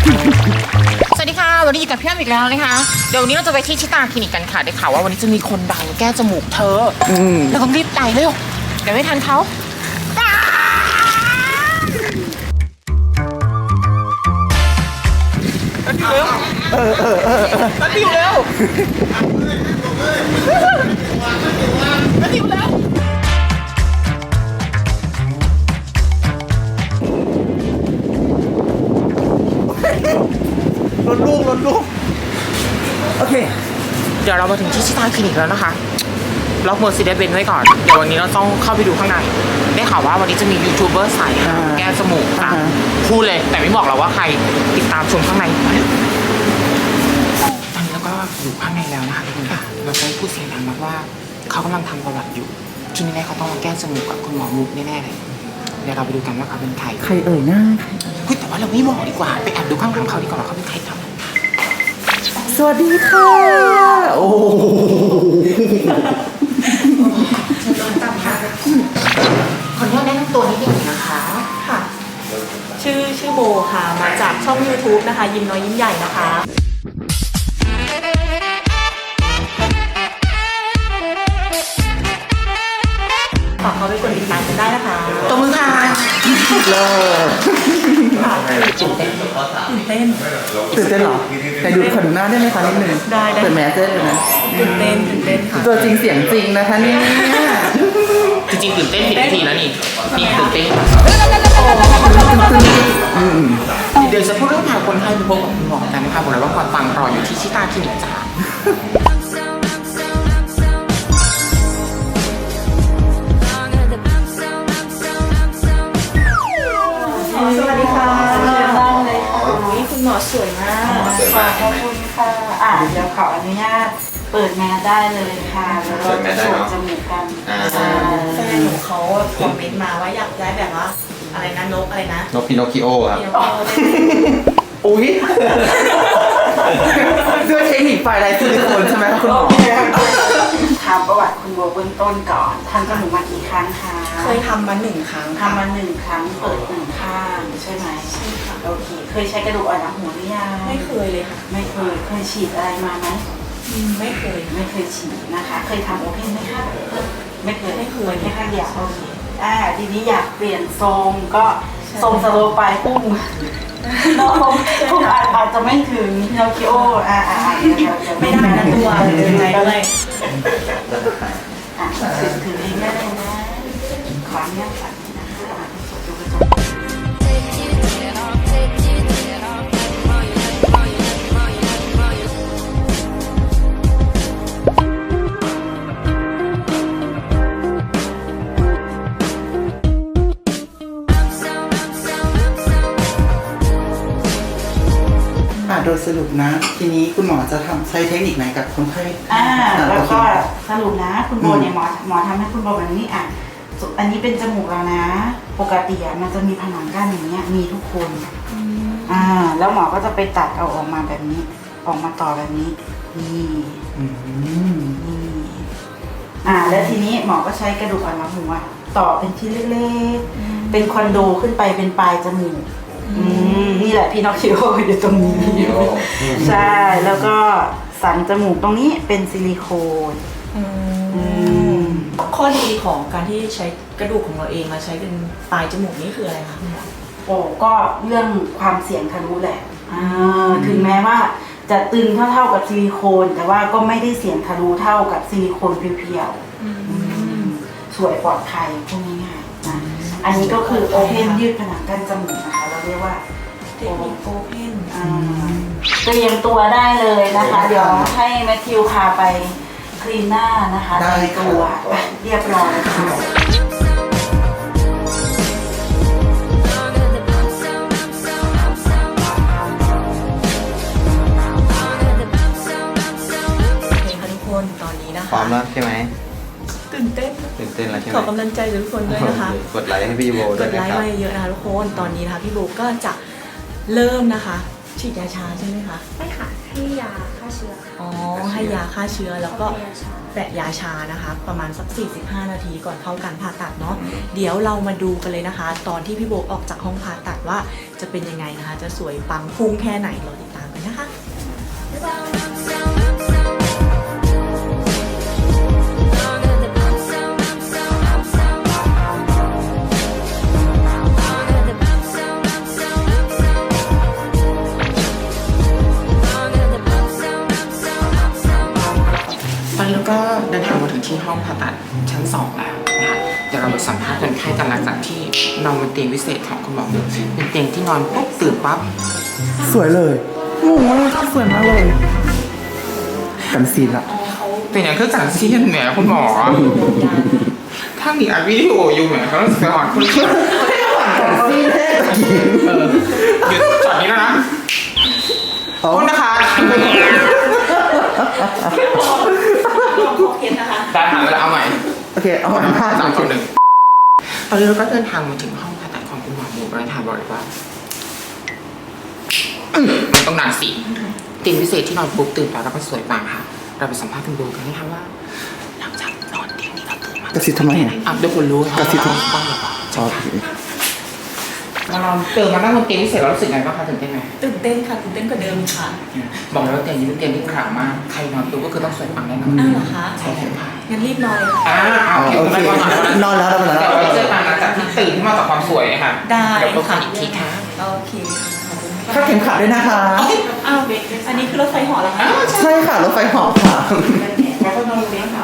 สวัสดีค่ะวันนี้อยู่กับพี่อ้ำอีกแล้วนะคะเดี๋ยววันนี้เราจะไปที่ชิตาคลินิกกันค่ะได้ข่าวว่าวันนี้จะมีคนดังแก้จมูกเธอเราต้องรีบไปเร็วเดี๋ยวไม่ทันเขากันดิวเร็วกันดิวเร็วกันดิวเร็วรถลูกโอเคเดี๋ยวเรามาถึงที่ชิตาคลินิกแล้วนะคะล็อกเมอร์ซีเดสเบนซ์ไว้ก่อนเดี๋ยววันนี้เราต้องเข้าไปดูข้างในได้ข่าวว่าวันนี้จะมียูทูบเบอร์สายแก้จมูกค่ะพูดเลยแต่ไม่บอกเราว่าใครติดตามชมข้างในตอนนี้เราก็อยู่ข้างในแล้วนะคะทุกคนค่ะเราจะพูดเสียงดังมากว่าเขากำลังทำประวัติอยู่ที่นี่เขาต้องมาแก้จมูกกับคุณหมอมุกแน่ๆเลยเดี๋ยวเราไปดูกันว่าเขาเป็นใครเอ่ยหน้าเฮ้ยแต่ว่าเราไม่บอกดีกว่าไปแอบดูข้างหลังเขาดีกว่าว่าเขาเป็นใครทำสวัสดีค่ะโอ้คนนี้แนะนำตัวนิดนึงนะคะค่ะชื่อโบค่ะมาจากช่อง YouTube นะคะยิ้มน้อยยิ้มใหญ่นะคะฝากเขาไปกดติดตามกันได้นะคะตัวมือค่ะโลตื่นเต้นเหรอแต่ดูขนหน้าได้ไหมคะนิดนึงได้เปิดแมสได้เลยนะตื่นเต้นค่ะตัวจริงเสียงจริงนะคะนี่จริงๆตื่นเต้นผิดวิธีแล้วนี่ตื่นเต้นเดี๋ยวจะพูดเรื่องพาคนไข้ไปพบกับคุณหมอกันนะคะบอกเลยว่าความปังรออยู่ที่ชิตาคลินิกจ้าสวัสดีค่ะนั่งเลยค่ะคุณหมอสวยมากขอบคุณค่ะเดี๋ยวขออนุญาตเปิดแมสได้เลยค่ะแล้วเราจะตรวจจมูกกันแฟนหนูเขาคอมเมนต์มาว่าอยากได้แบบว่าอะไรนะนกอะไรนะนกพินอคคิโอครับอุ้ยด้วยเทคนิคไฟไลท์ซิลิโคนใช่ไหมคุณหมอถามประวัติคุณโบเบื้องต้นก่อนทำจมูกมากี่ครั้งคะเคยทำมา1 ครั้งทำมา1 ครั้งเปิด1 ข้างใช่ไหมใช่ค่ะโอเคเคยใช้กระดูกอ่อนหลังหัวหรือยังไม่เคยเลยค่ะไม่เคยฉีดอะไรมาไหมไม่เคยฉีดนะคะเคยทำโอเพนไหมคะไม่เคยแค่ข้างเดียวโอเคทีนี้อยากเปลี่ยนทรงก็ทรงสโลว์ไปปุ้งน้องอาจจะไม่ถึงพินอคคิโอไม่ได้นะตัวยังไงด้วยถือเองได้เลยนะขออนุญาตสั่งนะคะดูกระจโดยสรุปนะทีนี้คุณหมอจะใช้เทคนิคไหนกับคนไข้แล้วก็สรุปนะคุณโบเนี่ยหมอทำให้คุณโบแบบนี้อันนี้เป็นจมูกเรานะปกติมันจะมีผนังกั้นอย่างเงี้ยมีทุกคนแล้วหมอก็จะไปตัดเอาออกมาแบบนี้ออกมาต่อแบบนี้นี่แล้วทีนี้หมอก็ใช้กระดูกอ่อนหลังหัวต่อเป็นชิ้นเล็กๆเป็นคอนโดขึ้นไปเป็นปลายจมูกนี่แหละพี่นอคคิโออยู่ตรงนี้ใช่แล้วก็สันจมูกตรงนี้เป็นซิลิโคนข้อดีของการที่ใช้กระดูกของเราเองมาใช้เป็นปลายจมูกนี่คืออะไรคะคุณหมอก็เรื่องความเสี่ยงทะลุแหละถึงแม้ว่าจะตึงเท่ากับซิลิโคนแต่ว่าก็ไม่ได้เสี่ยงทะลุเท่ากับซิลิโคนเพียวๆสวยปลอดภัยพูดง่ายๆนะอันนี้ก็คือโอเพนยืดผนังกั้นจมูกนะคะเราเรียกว่าเทคนิคโอเพนเตรียมตัวได้เลยนะคะเดี๋ยวให้แมทธิวพาไปคลีนหน้านะคะได้ตัวเรียบร้อยค่ะตอนนี้นะคะพร้อมแล้วใช่ไหมตื่นเต้นแล้วใช่ไหมขอกำลังใจทุกคนด้วยนะคะกดไลค์ให้พี่โบกดไลค์มาเยอะนะคะทุกคนตอนนี้นะคะพี่โบก็จะเริ่มนะคะฉีดยาชาใช่ไหมคะไม่ค่ะให้ยาฆ่าเชื้ออ๋อให้ยาฆ่าเชื้อแล้วก็แปะยาชานะคะ ประมาณสัก 45 นาทีก่อนเข้าการผ่าตัดเนาะเดี๋ยวเรามาดูกันเลยนะคะ ตอนที่พี่โบออกจากห้องผ่าตัดว่าจะเป็นยังไงนะคะ จะสวยปังพุ่งแค่ไหนรอติดตามกันนะคะตอนนี้เราก็เดินทางมาถึงที่ห้องผ่าตัดชั้น 2แล้วนะคะเดี๋ยวเราไปสัมภาษณ์คนไข้กันหลังจากที่นอนบนเตียงพิเศษของคุณหมอเป็นเตียงที่นอนปุ๊บตื่นปั๊บสวยเลยงงมากสวยมากเลยกันซีนละเป็นอย่างเครื่องจักรเซียนแหมคุณหมอถ้ามีอัดวิดีโออยู่แหมเขาต้องสอนคุณหยุดช็อตนี้แล้วนะขอบคุณนะคะลองขอเคสนะคะได้ค่ะแล้วเอาใหม่โอเคเอามาผ้า 3 2 1ตอนนี้เราก็เดินทางมาถึงห้องผ่าตัดของคุณหมอหมูแล้วถามบอกเลยว่ามันต้องนานสิเตียงพิเศษที่นอนปุ๊บตื่นไปแล้วก็สวยปังค่ะ เราไปสัมภาษณ์คุณโบกันนะคะว่าหลังจากนอนเตียงนี้เราตื่นมากระซิบทำไมอ่ะอ่ะเดี๋ยวคุณรู้ค่ะกระซิบว่าต้องแบบว่าโอเคเรานอนตื่นมานั่งบนเตียงพิเศษเรารู้สึกไงบ้างคะตื่นเต้นไหมตื่นเต้นค่ะตื่นเต้นกว่าเดิมค่ะบอกเลยว่าเตียงนี้เป็นเตียงที่ขลังมากใครนอนปุ๊บก็คือต้องสวยปังแน่นอนอ้าวเหรอคะใช่ค่ะงั้นรีบนอนเลยค่ะโอเคนอนแล้วนอนแล้วเดี๋ยวไว้เจอกันหลังจากที่ตื่นขึ้นมาจากความสวยค่ะได้เดี๋ยวพบกัค่ะนอีกทีค่ะโอเคค่ะขอบคุณค่ะค่าดเข็มขัดด้วยนะคะอ้าวอันนี้คือรถไฟเหาะเหรอคะใช่ค่ะรถไฟเหาะค่ะแล้วก็นอนเตียงค่ะ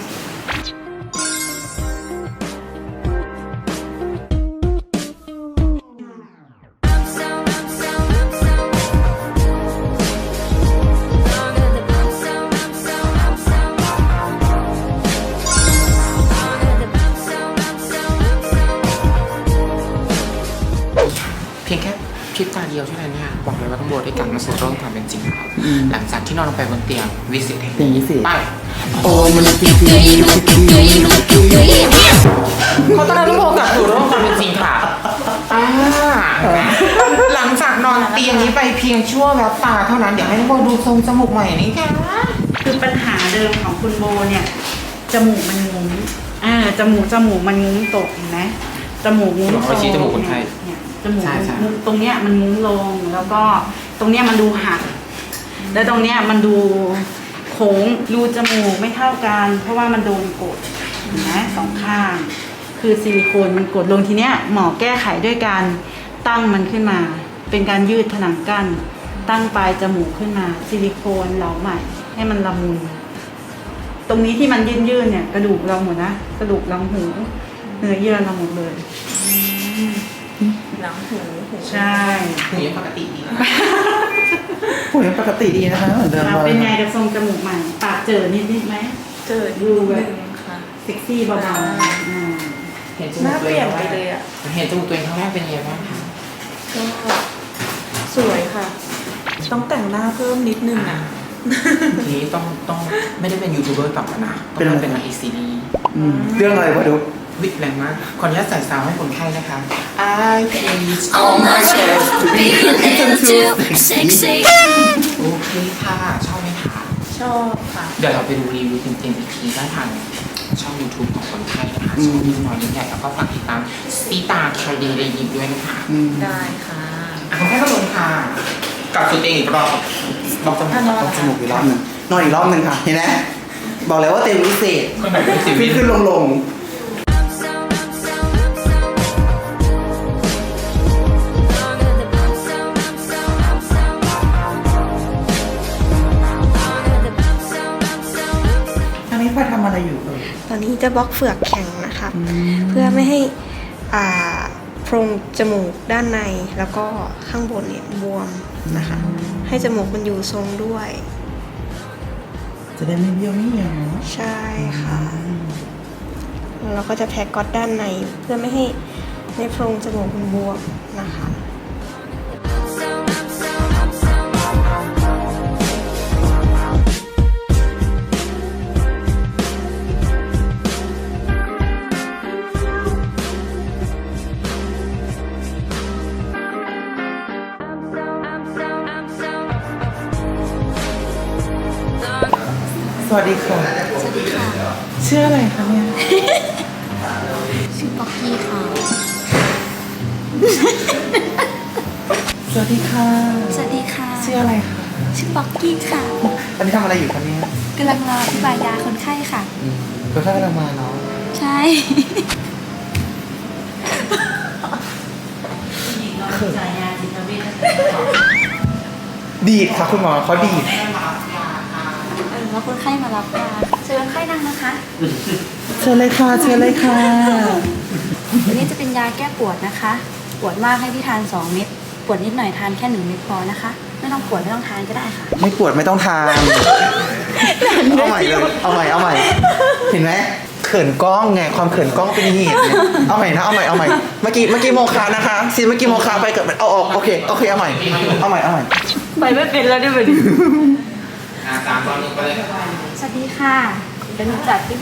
เพียงแค่พริบตาเดียวเท่านั้นเนี่ยบอกเลยว่าต้องโบได้กลับมาสู่โลกความเป็นจริงแล้วหลังจากที่นอนลงไปบนเตียงวิเศษแห่งเตียงพิเศษไปโอ้มันจริงเขาต้องรับโบกลับสู่โลกความเป็นจริงค่ะหลังจากนอนเตียงนี้ไปเพียงชั่วแวบตาเท่านั้นเดี๋ยวให้โบดูทรงจมูกใหม่นี้ค่ะคือปัญหาเดิมของคุณโบเนี่ยจมูกมันงุ้มจมูกมันงุ้มตกเห็นไหมจมูกงุ้มเขาชี้จมูกคนไข้เนี่ยจมูกใช่ใช่ตรงเนี้ยมันงุ้มลงแล้วก็ตรงเนี้ยมันดูหักแล้วตรงเนี้ยมันดูโค้งรูจมูกไม่เท่ากันเพราะว่ามันโดนกดเห็นไหมสองข้าง คือซิลิโคนมันกดลงทีเนี้ยหมอแก้ไขด้วยการตั้งมันขึ้นมา เป็นการยืดผนังกั้นตั้งปลายจมูกขึ้นมาซิลิโคนเหลาใหม่ให้มันละมุน ตรงนี้ที่มันยื่นเนี่ยกระดูกเราหมดนะกระดูกหลังหูเนื้อเยื่อเราหมดเลยหลังหูใช่หูยังปกติดีนะผมยังปกติดีนะคะเหมือนเดิมเลยเป็นไงกับทรงจมูกใหม่ปากเจอนิดไหมเจอดูแบบนึงค่ะเซ็กซี่เบาๆเห็นจหมูน้ากตัวเปเอลี่ยงนไปเลยอ่ะเห็นจมูกตัวเองครั้งแรกเป็นยังไงบ้างคะก็สวยค่ะ ต้องแต่งหน้าเพิ่มนิดนึงอ่ะทีนี้ต้องไม่ได้เป็นยูทูบเบอร์ต่อแล้วนะต้องมาเป็นนางเอกซีรีส์เรื่องอะไรวะดูวิกแรงมากขออนุญาตใส่ซาวให้คนไข้นะคะ I please All my chest to be a little too sexy. โอเคค่ะ ชอบไหมคะชอบค่ะเดี๋ยวเราไปดูรีวิวเต็มๆอีกทีได้ทางช่อง YouTube ของคนไข้นะคะช่องยิ่งน้อยยิ่งใหญ่แล้วก็ฝากติดตามซีตาคาดีเรยิมด้วยนะคะได้ค่ะคนไข้ก็ลงค่ะกลับสู่เตียงอีกรอบบอกจมูกถ้านอนต้องนะจคะมูกอีกรอบหนึ่งนอนอีกรอบหนึ่งค่ะเห็นไหมบอกแล้วว่าเต็มพิเศษคนไหนเป็นสิขึ้วินนขึ้นลงอันนี้พอทำอะไรอยู่เอ่ยตอนนี้จะบล็อกเฟือกแข็งนะคะ เพื่อไม่ให้โพรงจมูกด้านในแล้วก็ข้างบนเนี่ยบวมนะคะ ให้จมูกมันอยู่ทรงด้วยจะได้ไม่เบี้ยวไม่เหี่ยวเนาะใช่ค่ะแล้วเราก็จะแพ็กก๊อตด้านในเพื่อไม่ให้ในโพรงจมูกมันบวมนะคะ I'm สวัสดีค่ะสวัสดีค่ะชื่ออะไรคะเนี่ยชื่อป๊อกกี้ค่ะสวัสดีค่ะสวัสดีค่ะชื่ออะไรคะชื่อป๊อกกี้ค่ะตอนนี้ทำอะไรอยู่คะเนี่ยกำลังรออธิบายยาคนไข้ค่ะก็ถ้ากำลังมาเนาะใช่ดีดค่ะคุณหมอเขาดีดแล้วคนไข้มารับยาเชิญคนไข้นั่งนะคะเชิญเลยค่ะเชิญเลยค่ะอันนี้จะเป็นยาแก้ปวดนะคะ ปวดมากให้พี่ทาน 2 เม็ด ปวดนิดหน่อยทานแค่ 1 เม็ดพอนะคะ ไม่ต้องปวดไม่ต้องทานก็ได้ค่ะไม่ปวดไม่ต้องทานเอาใหม่เลยเอาใหม่เอาใหม่ เห็นไหมเขินกล้องไงความเขินกล้องเป็นเหตุเนี่ยเอาใหม่นะเอาใหม่เอาใหม่เมื่อกี้โมคะนะคะซีเมื่อกี้โมคะไปเกิดเอาออกโอเคเอาใหม่เอาใหม่เอาใหม่ไปไม่เป็นแล้วได้ไหมตามตอนนึงไปเลยสวัสดีค่ะเป็นหนูจัดพี่บี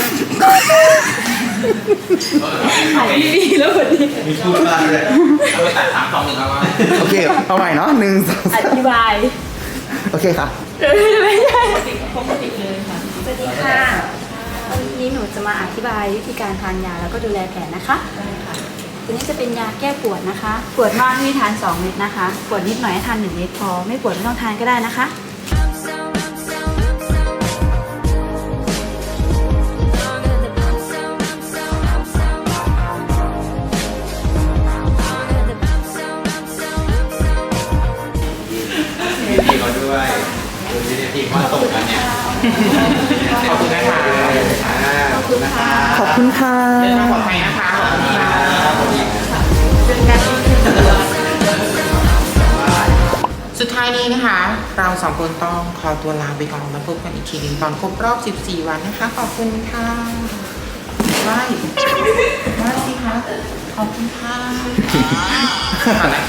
ถ่ายดีๆแล้ววันนี้มีพูดอะไรเลยเอาไปตัด3 2 1แล้วก็โอเคเอาใหม่เนาะ1 2 อ 3 ธิบายโอเคค่ะไม่ใช่สวัสดีค่ะ วันนี้หนูจะมาอธิบายวิธีการทานยาแล้วก็ดูแลแผลนะคะตัวนี้จะเป็นยาแก้ปวดนะคะ ปวดมากให้ทาน 2 เม็ดนะคะ ปวดนิดหน่อยให้ทาน 1 เม็ดพอ ไม่ปวดไม่ต้องทานก็ได้นะคะพี่เขาด้วยดูที่ทีมว่าส่งกันเนี่ยขอบคุณนะคะขอบคุณนะคะขอบคุณค่ะเดินทางปลอดภัยนะคะขอบคุณค่ะสุดท้ายนี้นะคะ เราสองคนต้องขอตัวลาไปก่อนแล้วพบกันอีกทีหนึงตอนครบรอบ 14 วันนะคะ ขอบคุณค่ะไหว้สิคะขอบคุณค่ะ